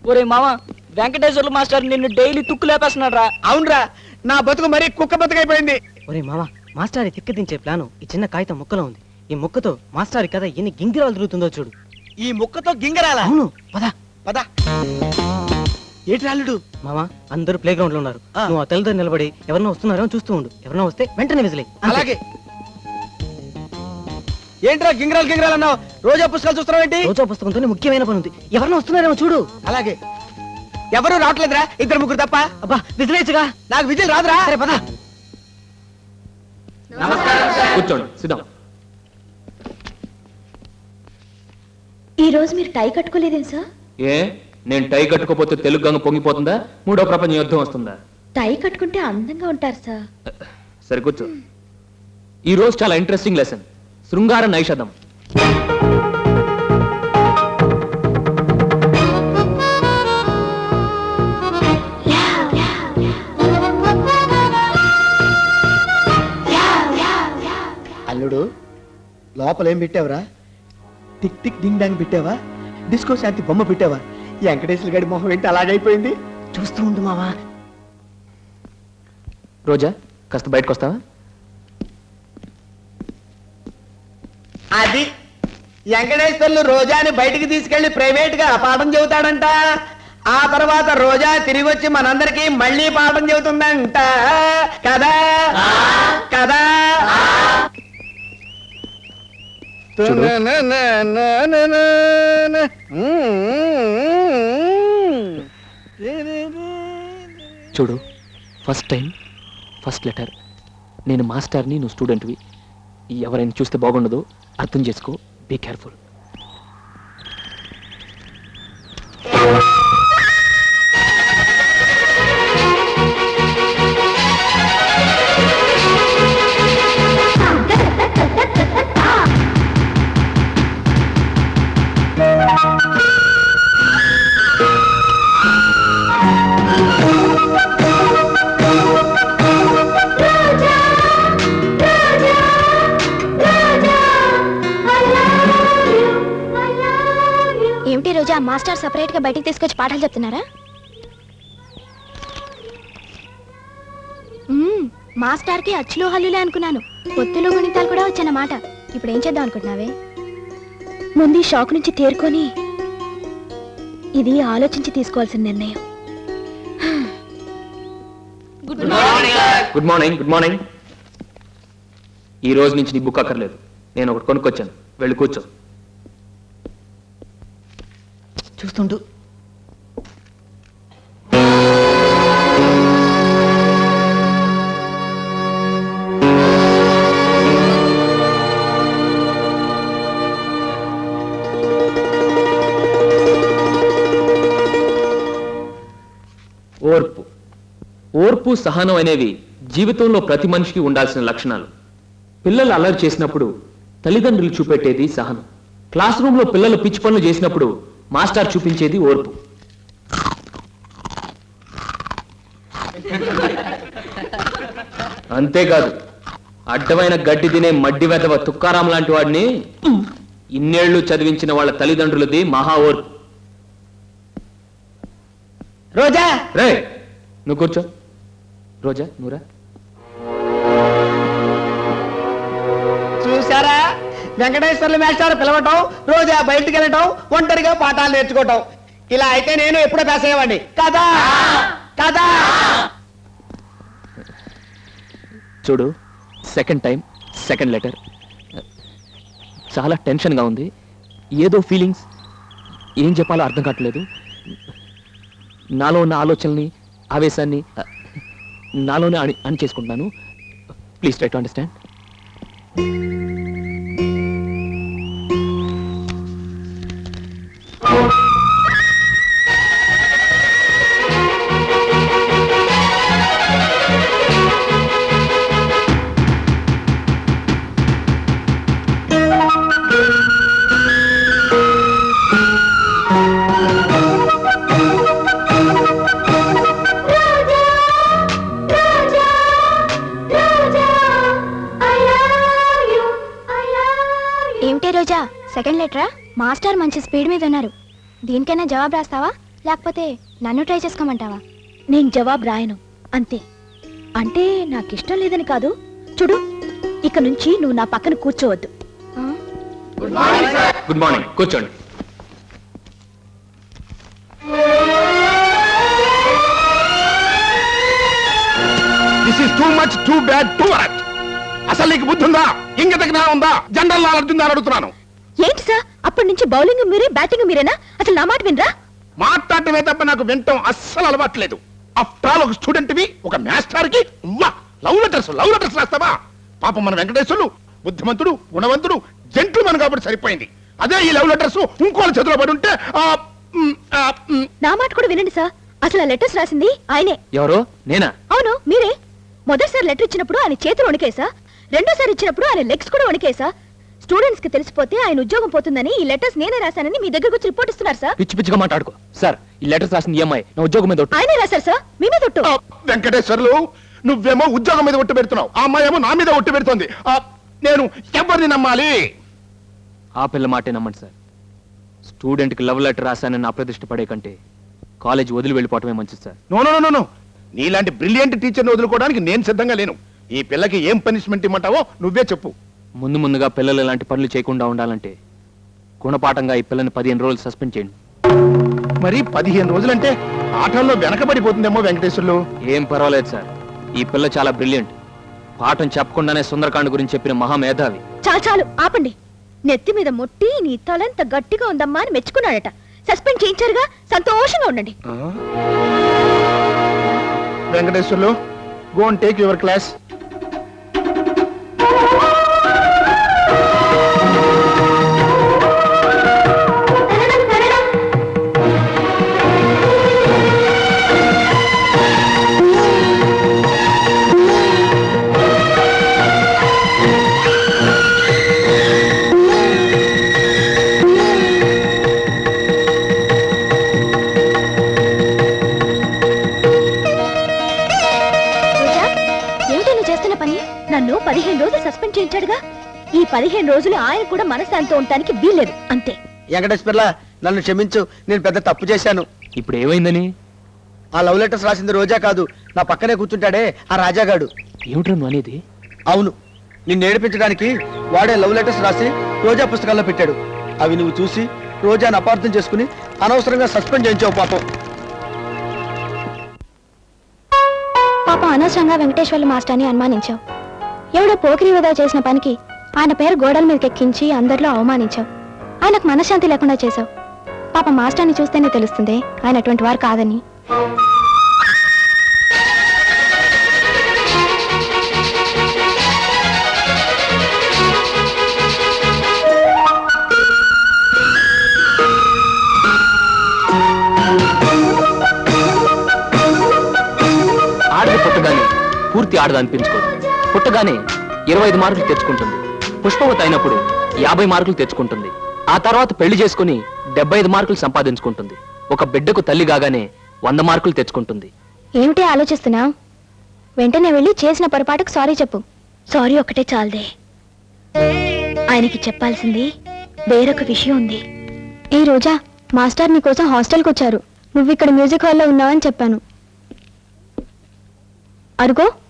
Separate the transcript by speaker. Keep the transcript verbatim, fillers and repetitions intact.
Speaker 1: ఒరే మామ, వెంకటేశ్వర్లు మాస్టర్ నిన్ను డైలీ తుక్కు లేపేస్తున్నాడు రా.
Speaker 2: అవునరా, నా బతుకు మరీ కుక్క బతుకైపోయింది.
Speaker 3: ఒరే మామ, మాస్టారి తిక్కదించే ప్లాను ఈ చిన్న కాగితం ముక్కలో ఉంది. ఈ ముక్కతో మాస్టారి కథ ఎన్ని గింగిరాలు తిరుగుతుందో చూడు.
Speaker 2: ఈ ముక్కతో గింగరాల?
Speaker 3: అవును, పద
Speaker 2: పద. ఏటి రాలుడు?
Speaker 3: మామ, అందరూ ప్లే గ్రౌండ్ లో ఉన్నారు. నువ్వు ఆ తెల్లదారి నిలబడి ఎవరన్నా వస్తున్నారో చూస్తూ ఉండు. ఎవరన్నా వస్తే వెంటనే విసిలే.
Speaker 2: అలాగే. ఏంట్రా గింగరాలు గింగరాలు అన్నావు? రోజా పుస్తకాలు చూస్తున్నావు ఏంటి?
Speaker 3: రోజా పుస్తకంతోనే ముఖ్యమైన పని ఉంది. ఎవరన్నా వస్తున్నారేమో చూడు.
Speaker 2: అలాగే. ఎవరు రావట్లేదురా, ఇద్దరు ముగ్గురు తప్ప.
Speaker 3: అబ్బా, విసిలేచ్చుగా.
Speaker 2: నాకు విజిల్ రాదురా.
Speaker 3: సరే పద.
Speaker 4: కూర్చోండి, సిద్ధం.
Speaker 5: ఈ రోజు మీరు టై కట్టుకోలేదేం సార్?
Speaker 4: ఏ, నేను టై కట్టుకోపోతే తెలుగు గంగ పొంగిపోతుందా? మూడో ప్రపంచ యుద్ధం వస్తుందా?
Speaker 5: టై కట్టుకుంటే అందంగా ఉంటారు సార్.
Speaker 4: సరే కూర్చో. ఈ రోజు చాలా ఇంట్రెస్టింగ్ లెసన్, శృంగార నైషధం.
Speaker 2: అల్లుడు, లోపలేం పెట్టావురా? టిక్ టిక్ డింగ్ డాంగ్ పెట్టావా? డిస్కో శాంతి బొమ్మ పెట్టావా? ఈ వెంకటేశ్వర గడి మొహం ఏంటి అలాగైపోయింది?
Speaker 3: చూస్తూ ఉండు మావా.
Speaker 4: రోజా, కాస్త బయటకు వస్తావా?
Speaker 2: అది వెంకటేశ్వర్లు రోజాని బయటికి తీసుకెళ్లి ప్రైవేట్ గా పాఠం చెబుతాడంట. ఆ తర్వాత రోజా తిరిగి వచ్చి మనందరికి మళ్ళీ పాఠం చెబుతుందంట. కదా కదా?
Speaker 4: చూడు, ఫస్ట్ టైం ఫస్ట్ లెటర్. నేను మాస్టర్ని, నువ్వు స్టూడెంట్వి. ఎవరైనా చూస్తే బాగుండదు, అర్థం చేసుకో. Be careful.
Speaker 5: ఏమిటి రోజా, మాస్టర్ సపరేట్ గా బయటికి తీసుకొచ్చి పాఠాలు చెప్తున్నారా? మాస్టర్ కి అచ్చులు హల్లులే అనుకున్నాను. పొత్తులు గుణితాలు కూడా వచ్చానమాట. ఇప్పుడు ఏం చేద్దాం అనుకుంటున్నావే? ముందు ఈ షాక్ నుంచి తేరుకొని ఇది ఆలోచించి తీసుకోవాల్సిన నిర్ణయం.
Speaker 4: Good morning. Good morning. ఈ రోజు నుంచి నీ బుక్ అక్కర్లేదు, నేను ఒకటి కొనుక్కొచ్చాను. వెళ్ళి కూర్చో.
Speaker 3: చూస్తుండు.
Speaker 4: ఓర్పు. ఓర్పు, సహనం అనేవి జీవితంలో ప్రతి మనిషికి ఉండాల్సిన లక్షణాలు. పిల్లలు అల్లరి చేసినప్పుడు తల్లిదండ్రులు చూపెట్టేది సహనం. క్లాస్ రూమ్ లో పిల్లలు పిచ్చి పనులు చేసినప్పుడు మాస్టర్ చూపించేది ఓర్పు. అంతేకాదు, అడ్డమైన గడ్డి తినే మడ్డి వెదవ తుక్కారాం లాంటి వాడిని ఇన్నేళ్లు చదివించిన వాళ్ళ తల్లిదండ్రులది మహా ఓర్పు.
Speaker 2: రోజా,
Speaker 4: రే నువ్వు కూర్చో. రోజా, నువ్వురా.
Speaker 2: చూసారా? వెంకటేశ్వర్లు మేస్టారు పిలవటం, రోజా బయటికి వెళ్ళటం, ఒంటరిగా పాఠాలు నేర్చుకోవటం. ఇలా అయితే నేను ఎప్పుడో పాస్ అయ్యేవాడిని కదా కదా?
Speaker 4: చూడు, సెకండ్ టైం సెకండ్ లెటర్. చాలా టెన్షన్గా ఉంది, ఏదో ఫీలింగ్స్, ఏం చెప్పాలో అర్థం కావట్లేదు. నాలో ఉన్న ఆలోచనల్ని, ఆవేశాన్ని నాలోనే అని అని చేసుకుంటున్నాను. Please try to understand.
Speaker 5: ఏమిటే రోజా, సెకండ్ లెటరా? మాస్టర్ మంచి స్పీడ్ మీద ఉన్నారు. దీనికైనా జవాబు రాస్తావా? లేకపోతే నన్ను ట్రై చేసుకోమంటావా? నేను జవాబు రాయను అంతే. అంటే నాకు ఇష్టం లేదని కాదు. చూడు, ఇక నుంచి నువ్వు నా పక్కన కూర్చోవద్దు. ఆ?
Speaker 4: గుడ్ మార్నింగ్, కూర్చోండి.
Speaker 6: This is too much too bad too worst. అసలు నీకు బుద్ధి ఉందా? ఇంగిత జ్ఞానం ఉందా? జనరల్ నాలెడ్జ్ ఉందా అని అడుగుతున్నాను.
Speaker 5: ఏంటి సార్, అప్పటి నుంచి బౌలింగ్ మీరే, బ్యాటింగ్ మీరేనా? అసలు నా మాట వినరా?
Speaker 6: మాట్లాడటమే తప్ప నాకు వినటం అస్సలు అలవాట్లేదు. ఆఫ్టర్ ఆల్ ఒక స్టూడెంట్ వి, ఒక మాస్టర్ కి లవ్ లెటర్స్ లవ్ లెటర్స్ రాస్తావా? పాపం మన వెంకటేశ్వరులు బుద్ధిమంతుడు, గుణవంతుడు, జెంట్లుమన్ కాబట్టి సరిపోయింది. అదే ఈ లవ్ లెటర్స్ ఇంకోళ్ళ చేతిలో పడి ఉంటే ఆ, మ్, ఆ, మ్,
Speaker 5: నా మాట కూడా వినండి సార్. అసలు ఆ లెటర్స్ రాసింది ఆయనే.
Speaker 4: ఎవరు? నేనా?
Speaker 5: అవును, మీరే. మొదటిసారి లెటర్ ఇచ్చినప్పుడు ఆయన చేతులు వణికేసా, రెండోసారి ఇచ్చినప్పుడు ఆయన లెగ్స్ కూడా వణికేసా. స్టూడెంట్స్ కి తెలిసిపోతే ఆయన ఉద్యోగం పోతుందని ఈ లెటర్స్ నేనే రాశానని మీ దగ్గరకు వచ్చి రిపోర్ట్ ఇస్తున్నారు సార్.
Speaker 4: పిచ్చి పిచ్చిగా మాట్లాడుకో. సార్, ఈ లెటర్స్ రాసింది ఈఎంఐ నా ఉద్యోగం మీద ఒట్టు.
Speaker 5: ఆయనే రాశారు సార్, మీ మీద ఒట్టు.
Speaker 6: ఆ, వెంకటేశ్వర్లు నువ్వేమో ఉద్యోగం మీద ఒట్టు పెడుతున్నావు, ఆ అమ్మాయి ఏమో నా మీద ఒట్టు పెడుతోంది. ఆ, నేను ఎవరిని నమ్మాలి?
Speaker 4: ఆ పిల్ల మాటే నమ్మండి సార్. స్టూడెంట్కి లవ్ లెటర్ రాశానని అప్రతిష్ట పడే కంటే కాలేజ్ వదిలి వెళ్ళిపోవటమే మంచిది sir.
Speaker 6: No no no no నీలాంటి బ్రిలియంట్ టీచర్ని వదులుకోవడానికి నేను సిద్ధంగా లేను. ఈ పిల్లకి ఏం పనిష్మెంట్ ఇమ్మంటావో నువ్వే చెప్పు.
Speaker 4: ముందు ముందుగా పిల్లలు ఇలాంటి పనులు చేయకుండా ఉండాలంటే గుణపాఠంగా ఈ పిల్లని పదిహేను రోజులు సస్పెండ్ చేయండి.
Speaker 6: మరి పదిహేను రోజులంటే ఆటల్లో వెనకబడిపోతుందేమో వెంకటేశ్వర్లు.
Speaker 4: ఏం పర్వాలేదు సార్, ఈ పిల్ల చాలా బ్రిలియంట్. పాఠం చెప్పకుండానే సుందరకాండ్ గురించి చెప్పిన మహామేధావి.
Speaker 5: చాలు చాలు ఆపండి. నెత్తి మీద మొట్టి నీ తలంత గట్టిగా ఉందమ్మా అని మెచ్చుకున్నాడట. సస్పెండ్ చేయించారుగా, సంతోషంగా ఉండండి.
Speaker 6: Venkateswarlu, go and take your class.
Speaker 5: Roja, ఏమిటి నువ్వు చేస్తున్న పని? నన్ను పదిహేను రోజులు సస్పెండ్ చేయించాడుగా. ఈ పదిహేను రోజులు ఆయన కూడా మనశ్శాంతితో ఉండటానికి వీల్లేదు అంతే.
Speaker 2: వెంకటేశ్వర్ల, నన్ను క్షమించు, నేను పెద్ద తప్పు చేశాను.
Speaker 4: ఇప్పుడు ఏమైందని?
Speaker 2: ఆ లవ్ లెటర్స్ రాసింది రోజా కాదు, నా పక్కనే కూర్చుంటాడే ఆ రాజాగాడు.
Speaker 4: ఏమిట్రా నువ్వు అనేది?
Speaker 2: అవును, నిన్ను ఏడిపించడానికి వాడే లవ్ లెటర్స్ రాసి రోజా పుస్తకాల్లో పెట్టాడు. అవి నువ్వు చూసి రోజాను అపార్థం చేసుకుని అనవసరంగా సస్పెండ్ చేయించావు పాపం.
Speaker 5: పాపం అనవసరంగా వెంకటేశ్వర్లు మాస్టర్ని అనుమానించావు. ఎవడో పోకిరి వృధా చేసిన పనికి ఆయన పేరు గోడల మీదకి ఎక్కించి అందరిలో అవమానించావు. ఆయనకు మనశ్శాంతి లేకుండా చేశావు. పాప మాస్టర్ని చూస్తేనే తెలుస్తుంది ఆయన అటువంటి వారు కాదని.
Speaker 4: ఆడది పుట్టగానే పూర్తి ఆడది అనిపించుకోదు. పుట్టగానే ఇరవై ఐదు మార్కులు తెచ్చుకుంటుంది. పుష్పవతి అయినప్పుడు యాభై మార్కులు తెచ్చుకుంటుంది. ఆ తర్వాత పెళ్లి చేసుకుని డెబ్బై ఐదు మార్కులు సంపాదించుకుంటుంది. ఒక బిడ్డకు తల్లి కాగానే వంద మార్కులు తెచ్చుకుంటుంది.
Speaker 5: ఏమిటి ఆలోచిస్తున్నావు? వెంటనే వెళ్ళి చేసిన పొరపాటుకు సారీ చెప్పు. సారీ ఒకటే చాలదే, ఆయనకి చెప్పాల్సింది వేరొక విషయం ఉంది. ఏ రోజా, మాస్టర్ నీ కోసం హాస్టల్కి వచ్చారు. నువ్వు ఇక్కడ మ్యూజిక్ హాల్లో ఉన్నావని చెప్పాను. అరుగో